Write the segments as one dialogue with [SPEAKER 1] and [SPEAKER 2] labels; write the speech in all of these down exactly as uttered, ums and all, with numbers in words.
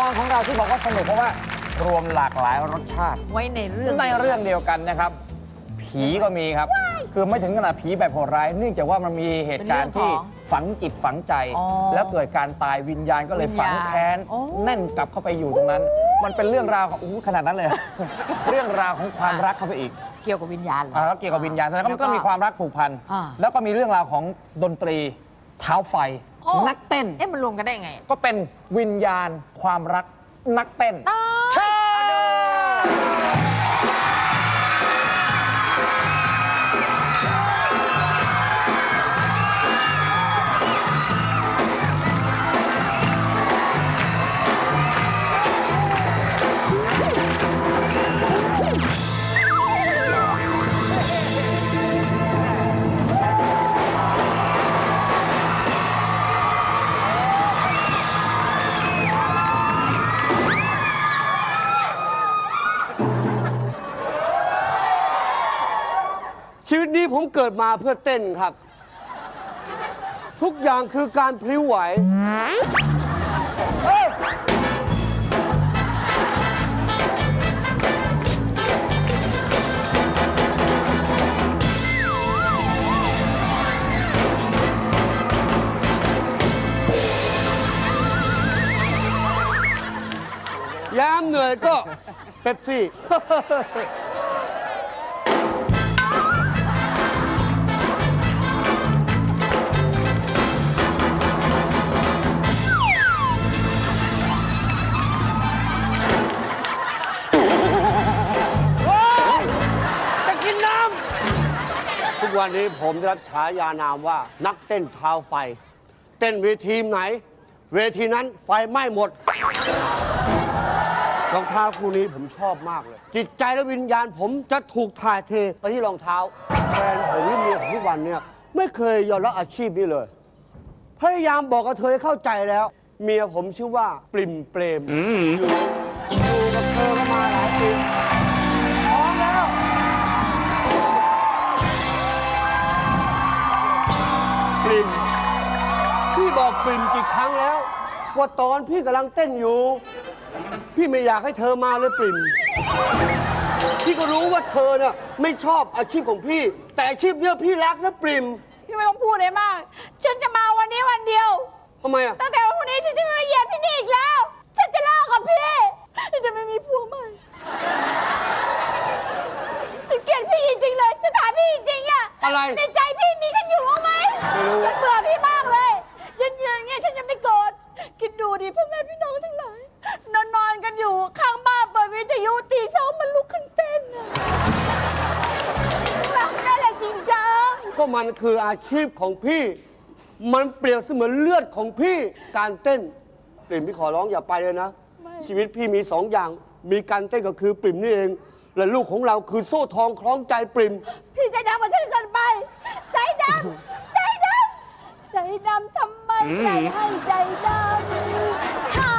[SPEAKER 1] การของเราที่บอกว่าสนุกเพราะว่ารวมหลากหลายรสชาติ
[SPEAKER 2] ไว้ในเรื่อง
[SPEAKER 1] ในเรื่องเดียวกันนะครับ ผีก็มีครับ คือไม่ถึงขนาดผีแบบโหดร้ายเนื่องจากว่ามันมีเหตุการณ์ที่ฝังจิตฝังใจ แล้วเกิดการตายวิญญาณก็เลยฝังแค้นแน่นกลับเข้าไปอยู่ตรงนั้น มันเป็นเรื่องราวของอู้ขนาดนั้นเลย เรื่องราวของความรักเข้าไปอีก
[SPEAKER 2] เกี่ยวกับวิญญาณเหรอ
[SPEAKER 1] อ่าแล้วเกี่ยวกับวิญญาณแล้วก็มีความรักผูกพัน
[SPEAKER 2] อ่า
[SPEAKER 1] แล้วก็มีเรื่องราวของดนตรีเท้าไฟ
[SPEAKER 2] โอ้
[SPEAKER 1] นักเต้น
[SPEAKER 2] เอ๊ะมันรวมกันได้ไง
[SPEAKER 1] ก็เป็นวิญญาณความรักนักเต้นใช่
[SPEAKER 3] ชีวิตนี้ผมเกิดมาเพื่อเต้นครับ ทุกอย่างคือการพลิ้วไหวยามเหนื่อยก็เป๊ปซี่ ทุกวันนี้ผมได้รับฉายานามว่านักเต้นเท้าไฟ เต้นเวทีไหน เวทีนั้นไฟไหม้หมดรองเท้าคู่นี้ผมชอบมากเลย จิตใจและวิญญาณผมจะถูกถ่ายเทไปที่รองเท้าแฟนผมที่เมียผมทุกวันเนี่ยไม่เคยยอมรับอาชีพนี้เลย พยายามบอกกับเธอให้เข้าใจแล้ว เมียผมชื่อว่าปริมเปรมอยู่อยู่กับเธอมาหลายปีท้องแล้วปริมพี่บอกปริมกี่ครั้งแล้วว่าตอนพี่กำลังเต้นอยู่พี่ไม่อยากให้เธอมาเลยปริมพี่ก็รู้ว่าเธอเนี่ยไม่ชอบอาชีพของพี่แต่อาชีพเนี่ยพี่รักนะปริม
[SPEAKER 4] พี่ไม่ต้องพูดเลยมากฉันจะมาวันนี้วันเดียว
[SPEAKER 3] ทำไมอ่ะ
[SPEAKER 4] ตั้งแต่วันพรุ่งนี้ที่จะไม่มาเหยียบที่นี่อีกแล้วฉันจะเลิกกับพี่ฉันจะไม่มีผัวใหม่ฉันเกลียดพี่จริงๆเลยจะถามพี่จริงๆอ่ะ
[SPEAKER 3] อะไร
[SPEAKER 4] ในใจพี่มีฉันอยู่บ้างไหม
[SPEAKER 3] ไม่รู้
[SPEAKER 4] ฉันเบื่อพี่มากเลยยืนๆอย่างเงี้ยฉันยังไม่โกรธคิดดูดิพ่อแม่พี่น้องทั้งหลายนอนนอนกันอยู่ข้างบ้านเปิดวิทยุตีสองมันลุกขึ้นเต้นอะรักได้แหละจริงจัง
[SPEAKER 3] ก็มันคืออาชีพของพี่ มันเปรียบเสมือนเลือดของพี่การเต้นปริ่มพี่ขอร้องอย่าไปเลยนะชีวิตพี่มีสองอย่างมีการเต้นก็คือปริ่มนี่เองและลูกของเราคือโซ่ทองคล้องใจปริ่ม
[SPEAKER 4] พี่ใจดำกว่าฉันเกินไปใจดำใจดำใจดำทำไมใจให้ใจดำขา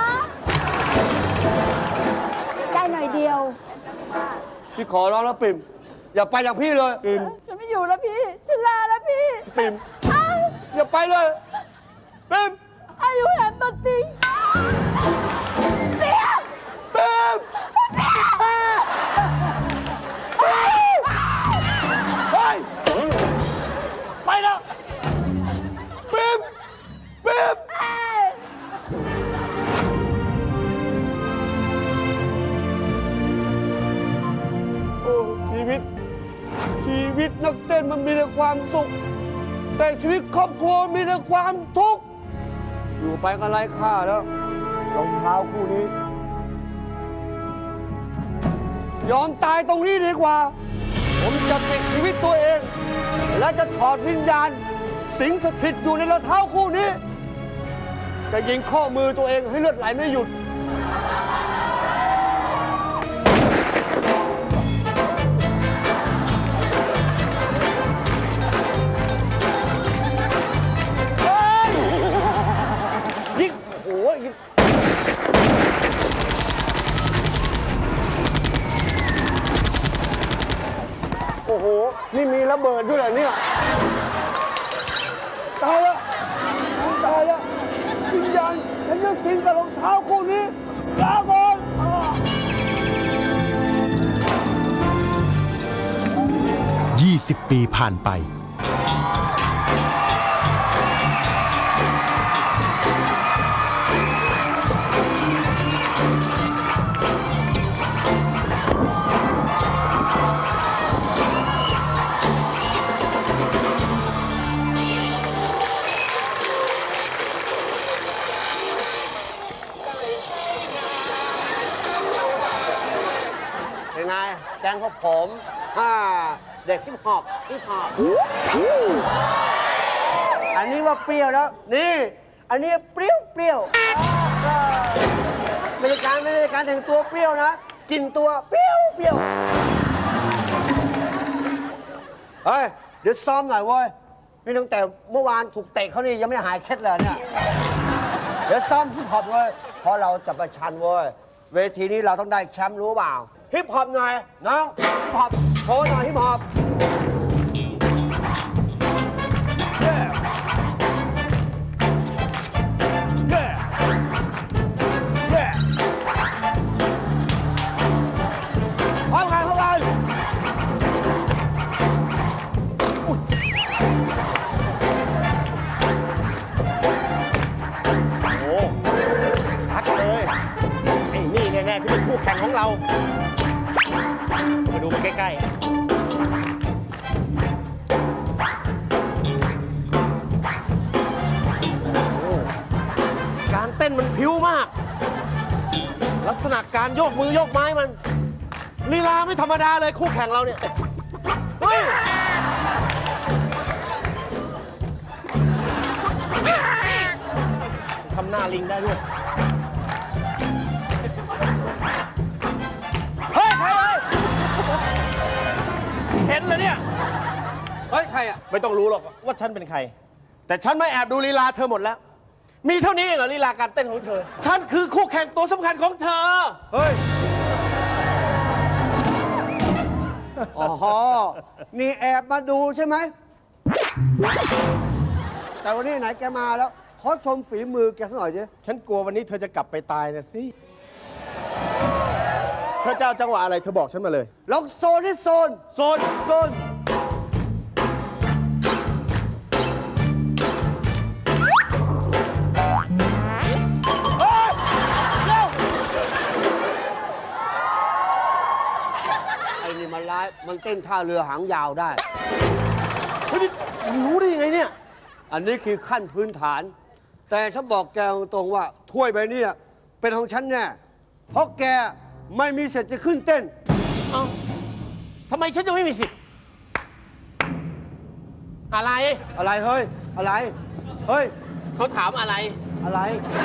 [SPEAKER 4] ได้หน่อยเดียว
[SPEAKER 3] พี่ขอร้องแล้วปริ่มอย่าไปจากพี่เลยปริ่ม
[SPEAKER 4] ฉันไม่อยู่แล้วพี่ฉันลาแล้วพี่
[SPEAKER 3] ปริ่มอย่าไปเลยปริ่ม
[SPEAKER 4] อายุแหมตัดติงเปียก
[SPEAKER 3] ปริ่ม
[SPEAKER 4] เปียก
[SPEAKER 3] เฮ้ยไปแล้วปริ่มปริ่มโอ้ชีวิตชีวิตนักเต้นมันมีแต่ความสุขแต่ชีวิตครอบครัวมีแต่ความทุกข์อยู่ไปก็ไร้ค่าแล้วรองเท้าคู่นี้ยอมตายตรงนี้ดีกว่าผมจะปิดชีวิตตัวเองและจะถอดวิญญาณสิงสถิตอยู่ในรองเท้าคู่นี้จะยิงข้อมือตัวเองให้เลือดไหลไม่หยุดยิงโอ้ยโอ้โหนี่มีระเบิดด้วยเหรอเนี่ยตายแล้วตายแล้ววิญญาณฉันจะสิงกับรองเท้าคู่นี้
[SPEAKER 2] สิบปีผ่านไป
[SPEAKER 3] เป็นไงแกงของผมอ่าเด็กฮิปฮอปฮิปฮอปอันนี้ว่าเปรี้ยวแล้ว นี่ อันนี้เปรี้ยวเปรี้ยวไม่ได้การไม่ได้การแต่งตัวเปรี้ยวนะกลินตัวเปรี้ยวเปรี้ยวเฮ้ย เดี๋ยวซ้อมหน่อยเว้ยนี่ตั้งแต่เมื่อวานถูกเตะเขานี่ยังไม่หายเคล็ดเลยเนี่ย เดี๋ยวซ้อมฮิปฮอปเว้ยเพราะเราจะประชันเว้ยเวทีนี้เราต้องได้แชมป์รู้เปล่าฮิปฮอปหน่อยน้องฮิปฮอปโชว์หน่อยฮิปฮอปพร้อมกันพร้อมกัน
[SPEAKER 5] โอ้ชัดเลยไอ้นี่แน่ๆที่เป็นคู่แข่งของเรา มาดูมันใกล้ๆ การเต้นมันพิ้วมาก ลักษณะการโยกมือโยกไม้มันลีลาไม่ธรรมดาเลยคู่แข่งเราเนี่ย เฮ้ย ทำหน้าลิงได้ด้วย เฮ้ย ใครเอ้ยเห็นเลยเนี่ย
[SPEAKER 3] เฮ้ย ใครอ่ะ
[SPEAKER 5] ไม่ต้องรู้หรอกว่าฉันเป็นใคร แต่ฉันไม่แอบดูลีลาเธอหมดแล้ว มีเท่านี้เองเหรอลีลาการเต้นของเธอ ฉันคือคู่แข่งตัวสำคัญของเธอ
[SPEAKER 3] เฮ้ย อ๋อ นี่แอบมาดูใช่ไหม แต่วันนี้ไหนแกมาแล้ว ขอชมฝีมือแกสักหน่อยสิ
[SPEAKER 5] ฉันกลัววันนี้เธอจะกลับไปตายนะสิ เธอจะเอาจังหวะอะไรเธอบอกฉันมาเลย
[SPEAKER 3] ลองโซนที่โซน โซน โซน เฮ้ย เร็ว ไอ้นี่มันร้าย มันเต้นท่าเรือหางยาวได้
[SPEAKER 5] เฮ้ยนี่รู้ได้ยังไงเนี่ย
[SPEAKER 3] อันนี้คือขั้นพื้นฐาน แต่ฉันบอกแกตรงๆว่า ถ้วยใบนี้เป็นของฉันแน่ เพราะแกไม่มีสิทธิ์จะขึ้นเต้น
[SPEAKER 5] เอ้าทำไมฉันจะไม่มีสิทธิ์ อะไร
[SPEAKER 3] อะไรเฮ้ย อะไร เฮ้ย
[SPEAKER 5] เขาถามอะไร
[SPEAKER 3] อะไร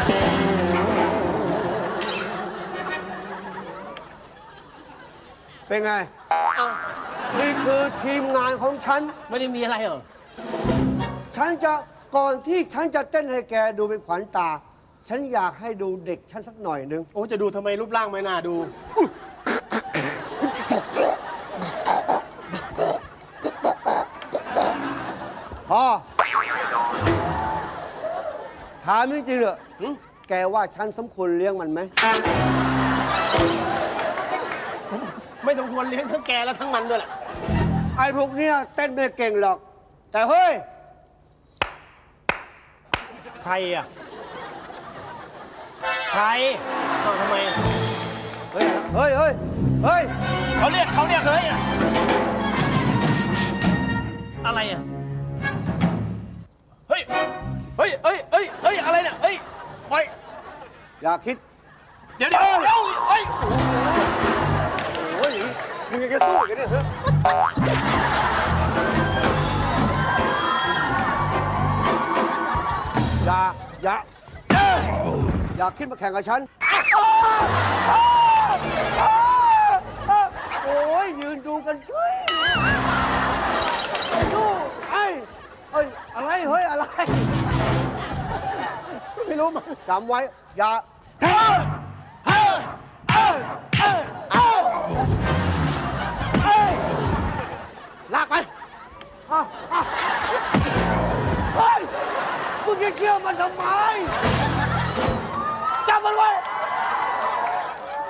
[SPEAKER 3] เป็นไง
[SPEAKER 5] เอ้า
[SPEAKER 3] นี่คือทีมงานของฉัน
[SPEAKER 5] ไม่ได้มีอะไรเหรอ
[SPEAKER 3] ฉันจะก่อนที่ฉันจะเต้นให้แกดูเป็นขวัญตา ฉันอยากให้ดูเด็กฉันสักหน่อยนึง
[SPEAKER 5] โอ้จะดูทำไมรูปร่างไม่น่าดู
[SPEAKER 3] พอถามจริงๆเหรอ
[SPEAKER 5] หึ
[SPEAKER 3] แกว่าฉันสมควรเลี้ยงมันไหม
[SPEAKER 5] ไม่ต้องควรเลี้ยงทั้งแกและทั้งมันด้วยแหละ
[SPEAKER 3] ไอ้พวกเนี้ยเต้นไม่เก่งหรอก แต่เฮ้ย
[SPEAKER 5] ใครอ่ะ ใครเอ้าทำไม
[SPEAKER 3] เฮ้ย เฮ้ย เฮ้ย เฮ้ย
[SPEAKER 5] เขาเรียกเขาเรียกเลยอ่ะ อะไรอ่ะ เฮ้ย เฮ้ยเฮ้ยเฮ้ยเฮ้ย อะไรเนี่ย เฮ้ยไป
[SPEAKER 3] อย่าคิด
[SPEAKER 5] เดี๋ยวเดี๋ยวเดี๋ยวเฮ้ย
[SPEAKER 3] โอ้ยมึงยังจะสู้กันเนี่ยเฮ้ยอย่า อย่า อย่าคิดมาแข่งกับฉัน โอ้ยยืนดูกันช่วยดูไอ้เฮ้ย อะไร เฮ้ย อะไร
[SPEAKER 5] ไม่รู้มั้ง
[SPEAKER 3] จำไว้ อย่า
[SPEAKER 5] เฮ้ยเฮ้ยเฮ้ยเฮ้ยเฮ้ยเฮ้ยลากไป
[SPEAKER 3] อ่ะอ่ะเฮ้ย มึงจะเชื่อมันทำไม จับมันไว้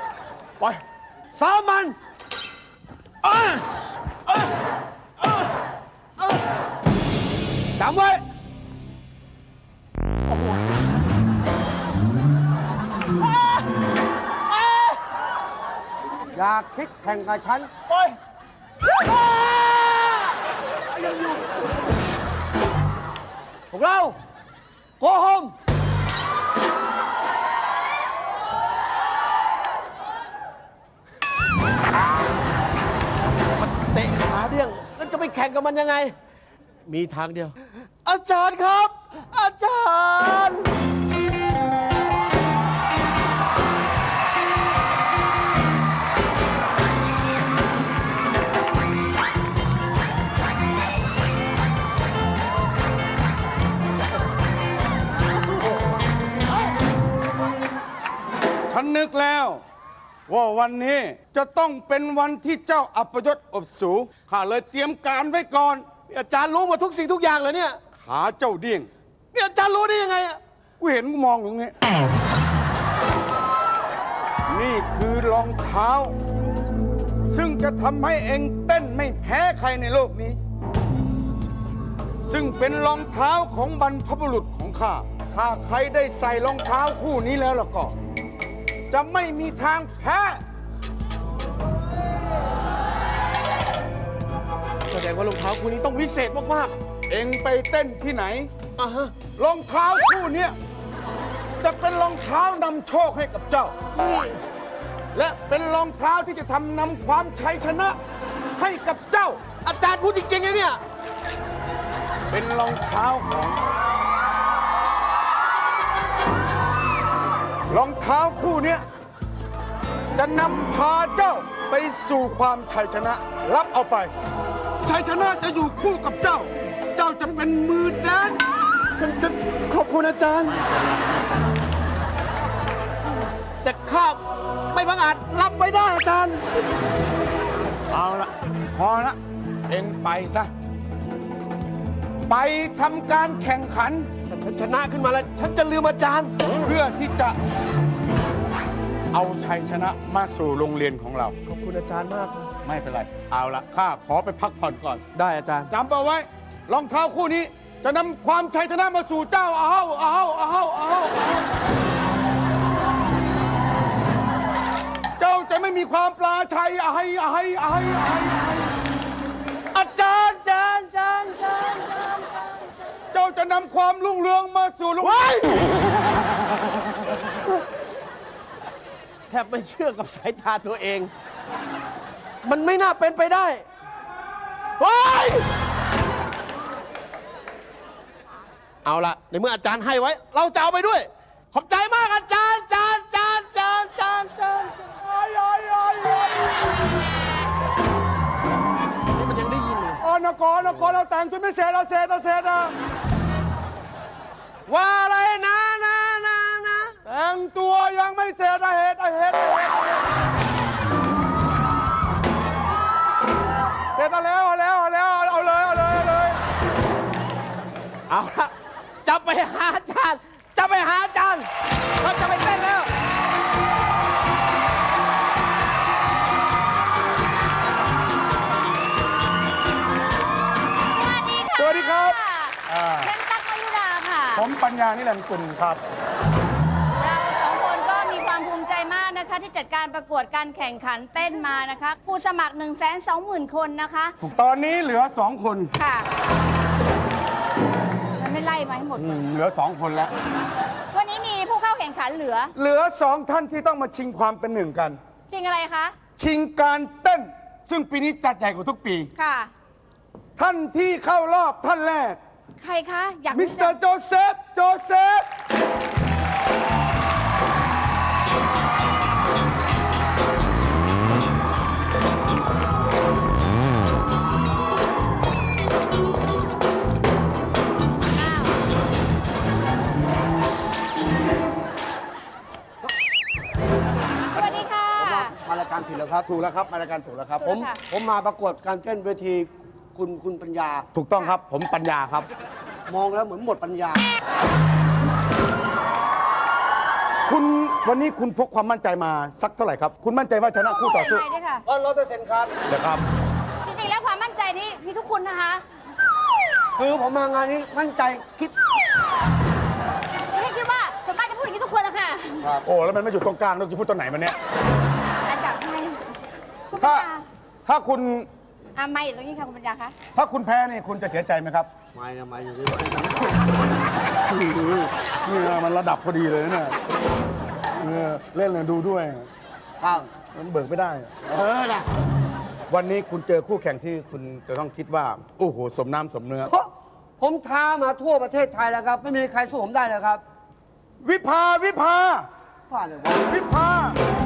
[SPEAKER 5] ปล่อย
[SPEAKER 3] ซ้อมมัน
[SPEAKER 5] เอ้ยเอ้ยเอ้ย
[SPEAKER 3] จำไว้ อย่าคิดแข่งกับฉัน
[SPEAKER 5] โอ้ย
[SPEAKER 3] พวกเรา โกโฮม
[SPEAKER 5] เตะขาเดี้ยงแล้วจะไปแข่งกับมันยังไง มีทางเดียว อาจารย์ครับ อาจารย์
[SPEAKER 2] ฉันนึกแล้ว ว่าวันนี้จะต้องเป็นวันที่เจ้าอัปยศอบสูข้าเลยเตรียมการไว้ก่อน
[SPEAKER 5] อาจารย์รู้หมดทุกสิ่งทุกอย่างเลยเนี่ย
[SPEAKER 2] ขาเจ้าเดี้ยง
[SPEAKER 5] เนี่ยอาจารย์รู้ได้ยังไงอะ
[SPEAKER 2] กูเห็นกูมองอยู่ตรงนี้ นี่คือรองเท้า ซึ่งจะทำให้เองเต้นไม่แพ้ใครในโลกนี้ ซึ่งเป็นรองเท้าของบรรพบุรุษของข้า ถ้าใครได้ใส่รองเท้าคู่นี้แล้วล่ะก็ จะไม่มีทางแพ้
[SPEAKER 5] แสดงว่ารองเท้าคู่นี้ต้องวิเศษมาก
[SPEAKER 2] เองไปเต้นที่ไหน
[SPEAKER 5] ๆอ่ะฮะ
[SPEAKER 2] รองเท้าคู่เนี้ยจะเป็นรองเท้านำโชคให้กับเจ้า และเป็นรองเท้าที่จะทำนำความชัยชนะให้กับเจ้า
[SPEAKER 5] อาจารย์พูดจริงๆนะเนี่ย
[SPEAKER 2] เป็นรองเท้าของรองเท้าคู่เนี้ยจะนำพาเจ้าไปสู่ความชัยชนะ รับเอาไป ชัยชนะจะอยู่คู่กับเจ้า เจ้าจะเป็นมือแดน
[SPEAKER 5] ฉันจะขอบคุณอาจารย์ แต่ข้าไม่บังอาจรับไว้ได้อาจารย์
[SPEAKER 2] เอาละพอละเองไปซะ ไปทำการแข่งขัน
[SPEAKER 5] แต่ฉันชนะขึ้นมาแล้ว ฉันจะลืมอาจารย์
[SPEAKER 2] เพื่อที่จะเอาชัยชนะมาสู่โรงเรียนของเรา
[SPEAKER 5] ขอบคุณอาจารย์มากครับ
[SPEAKER 2] ไม่เป็นไร เอาละข้าขอไปพักผ่อนก่อน
[SPEAKER 5] ได้อาจารย์
[SPEAKER 2] จำเอาไว้ รองเท้าคู่นี้จะนำความชัยชนะมาสู่เจ้าเอาเอาเอาเอาเจ้าจะไม่มีความปลาชัยไอ้ไอ้ไอ้ไอ้อาจารย์อาจารย์อาจารย์อาจารย์เจ้าจะนำความรุ่งเรืองมาสู่โรงเรียน
[SPEAKER 5] แทบไม่เชื่อกับสายตาตัวเอง มันไม่น่าเป็นไปได้ว้ายเอาละในเมื่ออาจารย์ให้ไว้ เราจะเอาไปด้วย ขอบใจมากอาจารย์อาจารย์อาจารย์อาจารย์อาจารย์อาจารย์นี่มันยังได้ยินเลย
[SPEAKER 2] อ๋อนกรนกรเราแต่งจนไม่เสร็จเราเสร็จเราเสร็จอะ
[SPEAKER 5] ว่าอะไรนะนะนะนะ
[SPEAKER 2] แต่งตัวยังไม่เสร็จอะเหตุอะเหตุอะเหตุเสร็จแล้วเอาแล้วเอาแล้วเอาเลยเอาเลยเอาเลย
[SPEAKER 5] เอาละจะไปหาอาจารย์ จะไปหาอาจารย์เราจะไปเต้นแล้ว
[SPEAKER 2] สวัสดีครับ
[SPEAKER 4] เป็นตั๊กมายุราค่ะ
[SPEAKER 2] ผมปัญญานิรันดร์กุลครับ
[SPEAKER 4] เราสองคนก็มีความภูมิใจมากนะคะ ที่จัดการประกวดการแข่งขันเต้นมานะคะผู้สมัคร หนึ่งแสนสองหมื่น คนนะคะ
[SPEAKER 2] ตอนนี้เหลือสองคน
[SPEAKER 4] ค่ะ มันไม่ไล่มาให้หมด
[SPEAKER 2] อืมเหลือสองคนแล้ว
[SPEAKER 4] วันนี้มีผู้เข้าแข่งขันเหลือ
[SPEAKER 2] เหลือสองท่านที่ต้องมาชิงความเป็นหนึ่งกัน
[SPEAKER 4] จริงอะไรคะ
[SPEAKER 2] ชิงการเต้น ซึ่งปีนี้จัดใหญ่กว่าทุกปี
[SPEAKER 4] ค่ะ
[SPEAKER 2] ท่านที่เข้ารอบท่านแรก
[SPEAKER 4] ใครคะ อยาก
[SPEAKER 2] มิ
[SPEAKER 4] รู้
[SPEAKER 2] สเต
[SPEAKER 4] จั
[SPEAKER 2] อก ร์โจเซฟ โจเซฟ
[SPEAKER 4] อ้าว สวัสดีค่ะ
[SPEAKER 3] มารายการผิดแล้วครับ
[SPEAKER 2] ถูกแล้วครับมารายการถูกแล้วครับ
[SPEAKER 3] ผม
[SPEAKER 4] ค่ะ
[SPEAKER 3] ผมมาประกวดการเต้นเวทีคุณคุณปัญญา
[SPEAKER 2] ถูกต้องครับ ผมปัญญาครับ
[SPEAKER 3] มองแล้วเหมือนหมดปัญญา
[SPEAKER 2] คุณวันนี้คุณพกความมั่นใจมาสักเท่าไหร่ครับ คุณมั่นใจว่าชนะคู่ต่อสู้
[SPEAKER 4] ใครด้วยค่ะ
[SPEAKER 3] ร้อยเปอร์เซ็นต์ครับ
[SPEAKER 2] เดี๋ยวครับ
[SPEAKER 4] จริงๆ แล้วความมั่นใจนี้มีทุกคนนะคะ
[SPEAKER 3] คือผมมางานนี้มั่นใจคิด
[SPEAKER 4] พี่คิดว่าส่วนมากจะพูดอย่างนี้ทุกคนแล้วค่ะ
[SPEAKER 2] โอ้แล้วมันไม่อยู่ตรงกลางเราจะพูดตอนไหนมันเนี่ย
[SPEAKER 4] อาจารย์ให้คุณปั
[SPEAKER 2] ถ้า
[SPEAKER 4] ญญา
[SPEAKER 2] ถ้าคุณ
[SPEAKER 4] อ่ะไม่อยู่ตรงนี้ค่ะคุณปัญญาคะ
[SPEAKER 2] ถ้าคุณแพ้นี่คุณจะเสียใจไหมครับ
[SPEAKER 3] ไม่นะไม่อยู่นี่
[SPEAKER 2] นี่นะมันระดับพอดีเลยนะเนี่ยเออเล่นเลยดูด้วย
[SPEAKER 3] อ้าว
[SPEAKER 2] มันเบิกไม่ได้
[SPEAKER 3] เออนะ
[SPEAKER 2] วันนี้คุณเจอคู่แข่งที่คุณจะต้องคิดว่า โอ้โห สมน้ำสมเนื้อ
[SPEAKER 3] เพราะผมท้ามาทั่วประเทศไทยแล้วครับ ไม่มีใครสู้ผมได้เลยครับ
[SPEAKER 2] วิภา วิภา
[SPEAKER 3] ผ่านเลยวะ
[SPEAKER 2] วิภา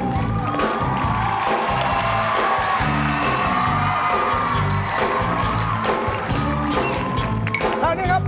[SPEAKER 2] ทางนี้ครับ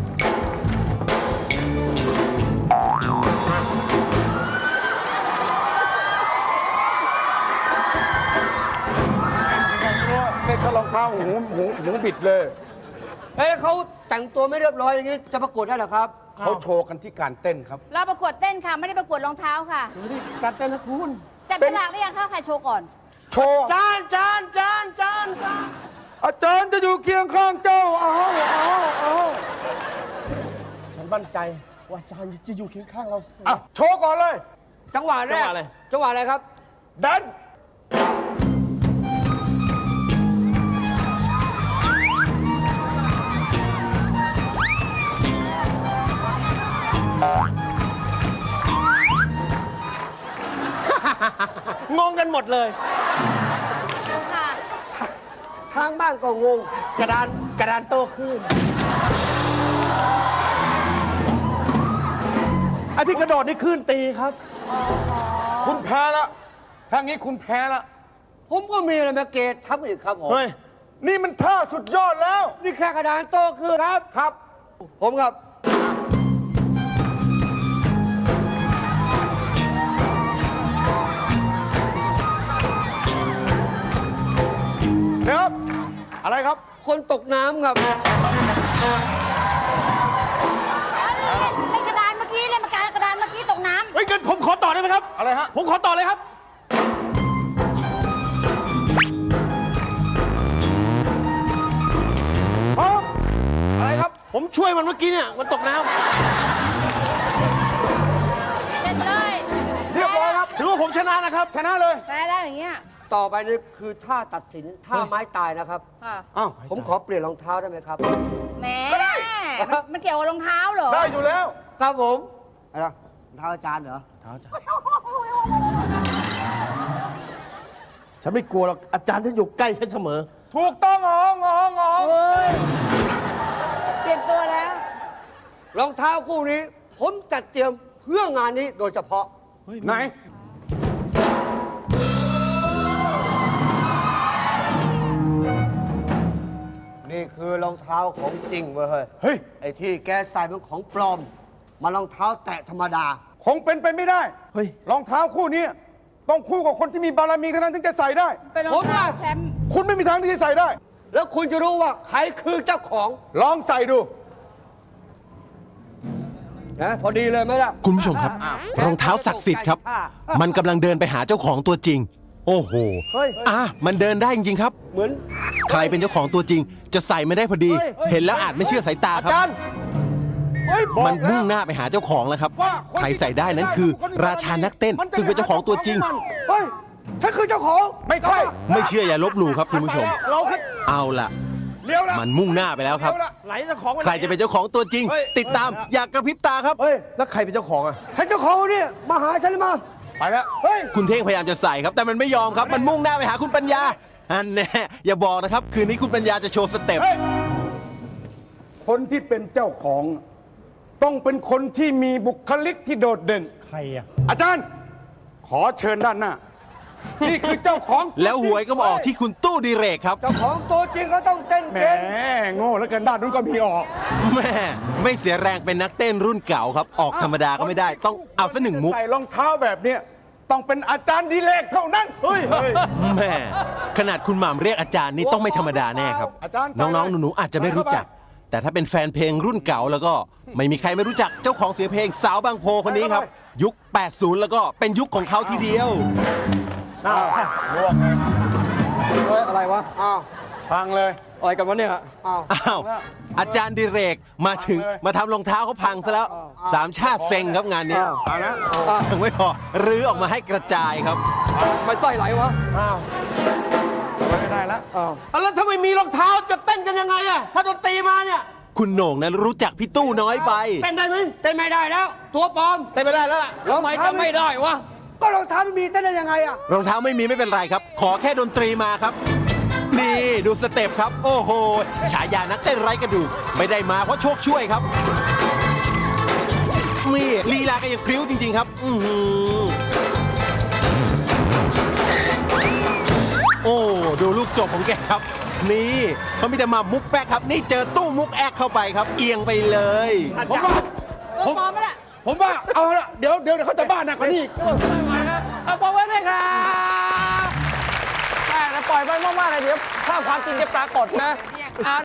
[SPEAKER 2] เด็กก็รองเท้าหูหูหูบิดเลย
[SPEAKER 3] เอ้ยเขาแต่งตัวไม่เรียบร้อยอย่างนี้จะประกวดได้เหรอครับ
[SPEAKER 2] เขาโชว์กันที่การเต้นครับ
[SPEAKER 4] เราประกวดเต้นค่ะ ไม่ได้ประกวดรองเท้าค่ะ
[SPEAKER 2] การเต้นนะคุณ
[SPEAKER 4] จับฉลากได้ยังคะใครโชว์ก่อน
[SPEAKER 2] โชว์
[SPEAKER 5] จานจานจานจานจาน
[SPEAKER 2] อาจารย์จะอยู่เคียงข้างเจ้าอ้าวอ้าวอ้าว
[SPEAKER 5] ฉันมั่นใจว่าจานจะอยู่เคียงข้างเราเสมอ
[SPEAKER 2] อ่ะโชว์ก่อนเลย
[SPEAKER 3] จังหวะแร
[SPEAKER 5] จัง
[SPEAKER 3] ก
[SPEAKER 5] หวะอะไร
[SPEAKER 3] จังหวะอะไรครับ
[SPEAKER 2] ดัน
[SPEAKER 5] งงกันหมดเลย
[SPEAKER 4] ค่ะ
[SPEAKER 3] ทางบ้านก็งง
[SPEAKER 5] กระดานกระดานโตขึ้นไอ้ที่กระโดดนี่ขึ้นตีครับ
[SPEAKER 2] คุณแพ้แล้วถ้างี้คุณแพ้แล้ว
[SPEAKER 3] ผมก็มีอะไรมาเกตทับอีกครับผม
[SPEAKER 5] เฮ้ย
[SPEAKER 2] นี่มันท่าสุดยอดแล้ว
[SPEAKER 3] นี่แค่กระดานโตคือครับ
[SPEAKER 2] ครับ
[SPEAKER 3] ผมครับ
[SPEAKER 2] เดี๋ยวครับ อะไรครับ
[SPEAKER 3] คนตกน้ำครับ
[SPEAKER 4] เล่นกระดานเมื่อกี้เล่นกระดานกระดานเมื่อกี้ตกน้
[SPEAKER 5] เฮ้ยเกินผมขอต่อได้ไหมครับ
[SPEAKER 2] อะไรฮะ
[SPEAKER 5] ผมขอต่อเลยครับ
[SPEAKER 2] พร้อมอะไรครับ
[SPEAKER 5] ผมช่วยมันเมื่อกี้เนี่ย มันตกน้
[SPEAKER 4] ำเล่นเลย
[SPEAKER 2] เรียบร้อยครับ
[SPEAKER 5] ำถือว่าผมชนะนะครับ
[SPEAKER 2] ชนะเลย
[SPEAKER 4] แพ้แล้วอย่างเงี้ย
[SPEAKER 3] ต่อไปนี่คือท่าตัดสินท่าไม้ตายนะครับ
[SPEAKER 4] ค่ะ
[SPEAKER 2] อ้าว
[SPEAKER 3] ผมขอเปลี่ยนรองเท้าได้ไหมครับ
[SPEAKER 4] แหมมันมันเกี่ยวกับรองเท้าเหรอ
[SPEAKER 2] ได้อยู่แล้ว
[SPEAKER 3] ครับผมอะไรนะรองเท้าอาจารย์เหรอ
[SPEAKER 5] ฉันไม่กลัวหรอก อาจารย์ฉันอยู่ใกล้ฉันเสมอ
[SPEAKER 2] ถูกต้องอ๋องอ๋องอ๋อง
[SPEAKER 4] เฮ้ย เปลี่ยนตัวแล้ว
[SPEAKER 3] รองเท้าคู่นี้ ผมจัดเตรียมเพื่องานนี้โดยเฉพาะ
[SPEAKER 2] ไหน
[SPEAKER 3] นี่คือรองเท้าของจริงเว้ยเฮ้ย
[SPEAKER 2] เฮ้ย
[SPEAKER 3] ไอ้ที่แกใส่เป็นของปลอม มารองเท้าแตะธรรมดา
[SPEAKER 2] คงเป็นไปไม่ได้
[SPEAKER 5] เฮ้ย
[SPEAKER 2] รองเท้าคู่นี้ ต้องคู่กับคนที่มีบารมีเท่านั้นถึงจะใส่ได้
[SPEAKER 4] เป็นรองเท้าแชมป์
[SPEAKER 2] คุณไม่มีทางที่จะใส่ได้
[SPEAKER 3] แล้วคุณจะรู้ว่าใครคือเจ้าของ
[SPEAKER 2] ลองใส่ดู
[SPEAKER 3] นะพอดีเลยไหมล่ะ
[SPEAKER 6] คุณผู้ชมครับ รองเท้าศักดิ์สิทธิ์ครับ มันกำลังเดินไปหาเจ้าของตัวจริง โอ้โห
[SPEAKER 3] เฮ้ย
[SPEAKER 6] อ่ะมันเดินได้จริงๆครับ
[SPEAKER 3] เหมือน
[SPEAKER 6] ใครเป็นเจ้าของตัวจริง จะใส่ไม่ได้พอดี เห็นแล้วอาจไม่เชื่อสายตา
[SPEAKER 5] อา
[SPEAKER 6] ครับ
[SPEAKER 5] จารย์
[SPEAKER 2] เฮ้ยบอก
[SPEAKER 6] มันมุ่งห
[SPEAKER 2] แล้ว
[SPEAKER 6] น้าไปหาเจ้าของแล้วครับ
[SPEAKER 2] ว่าคน
[SPEAKER 6] ใคร
[SPEAKER 2] ที่
[SPEAKER 6] ใส่ได้นั้นคือ
[SPEAKER 2] คนที่
[SPEAKER 6] ราชานักเต้น
[SPEAKER 2] มันจะ
[SPEAKER 6] ซึ่งเป็นเจ้าของตัวจริง
[SPEAKER 2] มัน
[SPEAKER 3] เฮ้ยฉันคือเจ้าของ
[SPEAKER 2] ไม่ใช่
[SPEAKER 6] ไม่เชื่ออย่าลบหลู่ครับคุณผู้ชม
[SPEAKER 5] เราคือ
[SPEAKER 6] เอาล่ะ
[SPEAKER 2] เลี้ยวละ
[SPEAKER 6] มันมุ่งหน้าไปแล้วครับ
[SPEAKER 2] เลี้ยละ
[SPEAKER 5] ไหนเจ้าของวัน
[SPEAKER 6] ใครจะเป็นเจ้าของตัวจริง
[SPEAKER 5] เฮ้ย
[SPEAKER 6] ติดตามอยากกระพริบตาครับ
[SPEAKER 3] เฮ้ย
[SPEAKER 5] แล้วใครเป็นเจ้าของอ่ะ
[SPEAKER 3] ฉันเจ้าของเนี่ยมาหาฉันเลยมา
[SPEAKER 2] ไปแล้ว
[SPEAKER 3] เฮ้ย
[SPEAKER 6] คุณเท่งพยายามจะใส่ครับ แต่มันไม่ยอมครับ มันมุ่งหน้าไปหาคุณปัญญา อันแน่อย่าบอกนะครับ คืนนี้คุณปัญญาจะโชว์สเต็ป
[SPEAKER 2] เฮ้ย คนที่เป็นเจ้าของ ต้องเป็นคนที่มีบุคลิกที่โดดเด่น
[SPEAKER 5] ใครอ่ะ
[SPEAKER 2] อาจารย์ ขอเชิญด้านหน้า นี่คือเจ้าของ
[SPEAKER 6] แล้วหวยก็มาออกที่คุณตู้ดีเรกครับ
[SPEAKER 3] เจ้าของตัวจริงก็ต้องเต้น
[SPEAKER 2] แหม
[SPEAKER 3] เก่ง
[SPEAKER 2] โง่แล้วกันด้านนู้นก็มีออก
[SPEAKER 6] แม่ไม่เสียแรงเป็นนักเต้นรุ่นเก่าครับ ออกธรรมดาก็ไม่ได้ ต้องเอาสักหนึ่งมุก
[SPEAKER 2] ใส่รองเท้าแบบเนี้ยต้องเป็นอาจารย์ดีเลกเท่านั้น เฮ้ยเฮ้ย
[SPEAKER 6] แม่ขนาดคุณหม่ำเรียกอาจารย์นี่ต้องไม่ธรรมดาแน่ครับ
[SPEAKER 2] อาจารย์
[SPEAKER 6] น้องๆหนูๆอาจจะไม่รู้จัก แต่ถ้าเป็นแฟนเพลงรุ่นเก่าแล้วก็ไม่มีใครไม่รู้จักเจ้าของเสียงเพลงสาวบางโพคนนี้ครับ ยุค แปดสิบ แล้วก็เป็นยุคของเขาทีเดียว
[SPEAKER 2] อ้าวลวกเลยเฮ้ยอะไรวะ
[SPEAKER 3] อ้าว
[SPEAKER 2] พังเลย
[SPEAKER 5] อะไรกันวะเนี่ย
[SPEAKER 3] อ้าว
[SPEAKER 6] อ้าว อาจารย์ดิเรกมาถึง
[SPEAKER 2] พังเลย
[SPEAKER 6] มาทำรองเท้าเขาพังซะแล้ว สามชาติเซ็งครับงานนี้
[SPEAKER 2] เอานะ
[SPEAKER 6] ยังไม่พอรื้อออกมาให้กระจายครับ
[SPEAKER 5] ไม่ไส้ไหลวะ
[SPEAKER 2] อ้าวไม่ได้แล้ว
[SPEAKER 5] อ้าวแล้วถ้าไม่มีรองเท้าจะเต้นกันยังไงอะถ้าดนตรีมาเนี่ย
[SPEAKER 6] คุณโหน่งนั้นรู้จักพี่ตู้น้อยไป
[SPEAKER 3] เต้นได้ไหมเต้นไม่ได้แล้ว ตัวปลอม
[SPEAKER 5] เต้นไม่ได้แล้วล่ะทำไมจะไม่ได้วะ
[SPEAKER 3] ก็รองเท้าไม่มีเต้นได้ยังไงอ่ะ
[SPEAKER 6] รองเท้าไม่มีไม่เป็นไรครับ ขอแค่ดนตรีมาครับ นี่ดูสเต็ปครับ โอ้โห ฉายานักเต้นไร้กระดูกไม่ได้มาเพราะโชคช่วยครับ นี่ลีลาก็ยังพริ้วจริง ๆ ครับ อือหือโอ้ดูลูกจบของแกครับ นี่เขามีแต่มามุกแป๊กครับ นี่เจอตู้มุกแอกเข้าไปครับ เอียงไปเลย
[SPEAKER 2] ผมว่า
[SPEAKER 4] เออปลอมไหมล่ะ
[SPEAKER 2] ผมว่าเอาละเดี๋ยวเดี๋ยวเขาจะบ้าหนักกว่านี้
[SPEAKER 1] เอาปล่อยไว้เลยครับแต่ปล่อยไว้มากๆเลยเดี๋ยวภาพความจริงจะปรากฏนะ